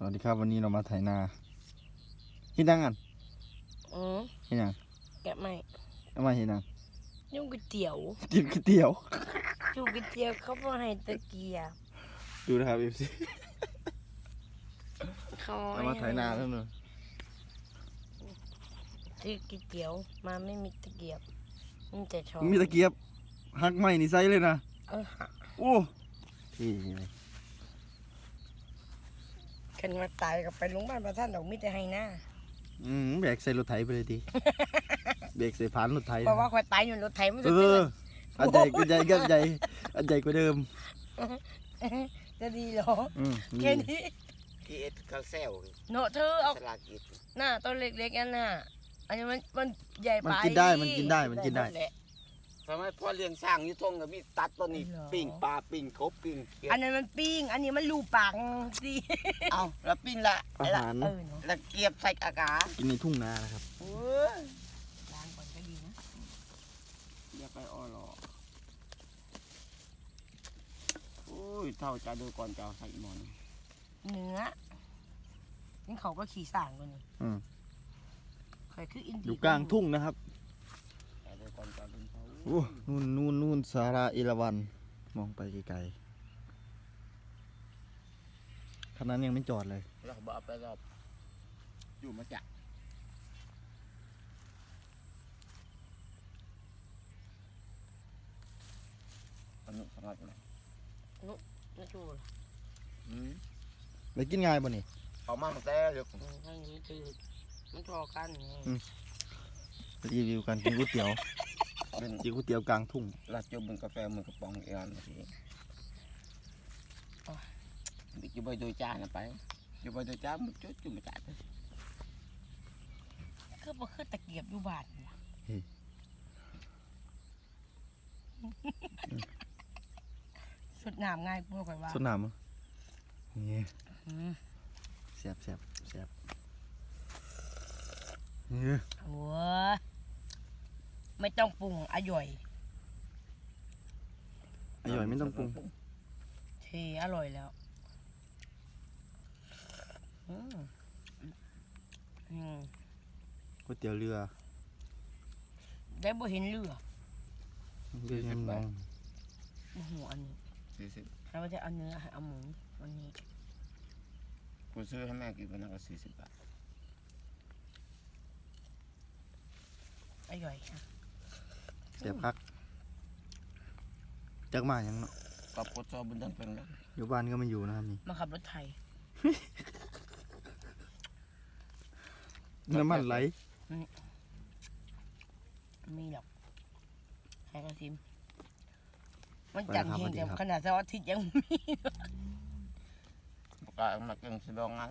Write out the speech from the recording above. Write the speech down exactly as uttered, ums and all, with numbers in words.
วัสดีครับวันนี้เรามาไถนาเฮ็ดยังกันอือเฮ็ดยังแกะไม่เอามาเฮ็ดยังยุ่งก๋วยเตี๋ยวกินก๋วยเตี๋ยวยุ่งก๋วยเตี๋ยวเขาบอกให้ตะเกียบดูนะครับ เอฟ ซีเขาเรามาไถนาแล้วเนอะซื้อก๋วยเตี๋ยวมาไม่มีตะเกียบมีแต่ช้อนมีตะเกียบหักไม้นี่ใส่เลยนะเออหักโอ้ที่เลยขันมาตายกับไปโรงพยาบาลประท่านดอกมิแต่ให้หน้าอืมแบกใส่รถไถไปเลยทีแบกใส่ผานรถไถเพราะว่าคอยตายอยู่รถไถมันจะเอเตืออน อันใหญ่ก็ใหญ่ก็ใหญ่อันใหญ่กว่าเดิมจะดีเหรออืมแค่นี้กีเอสเขาเซลเนาะเธอเอาสลากิดหน้าต้นเล็กๆนั่นน่ะอันนี้มันมันใหญ่ไปมันกินได้มันกินได้มันกินได้แหละทำไมพ่อเลี้ยงสร้างอยู่ทงกับมีตัดต้นนี้เหรอปิ้งปลาปิ้งกบปิ้งเขียดอันนั้นมันปิ้งอันนี้มันลูปากสิเอาแล้วปิ้งละอาละหารเออเนาะแล้วเกียบใส่อากาศกินในทุ่งนานะครับเออล้างก่อนก็ดีนะอย่าไปอ้อหรอโอ้ยเท่าจะดูก่อนจะเอาใส่หมอนเนื้อนี่เขาก็ขี่ส่างกันนี่อืมใครคืออินอยู่กลางทุ่งนะครับแต่ดูก่อนจะดูเขาโอ้นู่นนู่นนู่นสาราเอราวัณมองไปไกลๆขนาดนั้นยังไม่จอดเลยเราบอกไปรอบอยู่มาจากอันนี้สำหรับอะไรน่าจูเลยอืมไปกินง่ายบ่นี่เขามาตั้งแต่เด็กถ้าอย่างนี้จืดมันทอกันไงรีวิวกันกินก๋วยเตี๋ยวเป็นกินก๋วยเตี๋ยวกลางทุ่งลาดจุบเป็นกาแฟมือกระป๋องเออนทีดิจุบไปโดยจานไปจุบไปโดยจานมันจุดจุบมาจัดคือบ่คือตะเกียบอยู่บาทวะสุดน้ำง่ายกว่าข่อยว่าสดน้ำมั้ยนี่อืมแซ่บแซ่บแซ่บนี่โอ้ยไม่ต้องปรุงอร่อยอร่อยไม่ต้องปรุงเทอร่อยแล้วอืมอืมก๋วยเตี๋ยวเรือได้บ่เห็นเรือเรือยังมองโอ้โหอันนี้สี่สิบเราจะเอาเนื้อให้เอาหมูวันนี้กูซื้อให้แม่กินวันนั้นก็สี่สิบบาทอร่อยค่ะแซ่บคักจักมายังเนาะกับกดซอบุญดันเป็นแล้วอยู่บ้านก็ไม่อยู่นะครับนี่มาขับรถไทยน้ำมันไหลมีหรอกให้กระซิมมันจังเฮงแต่ขนาดเสาร์อาทิตย์ยังมีก็มาเก่งสิบองงาน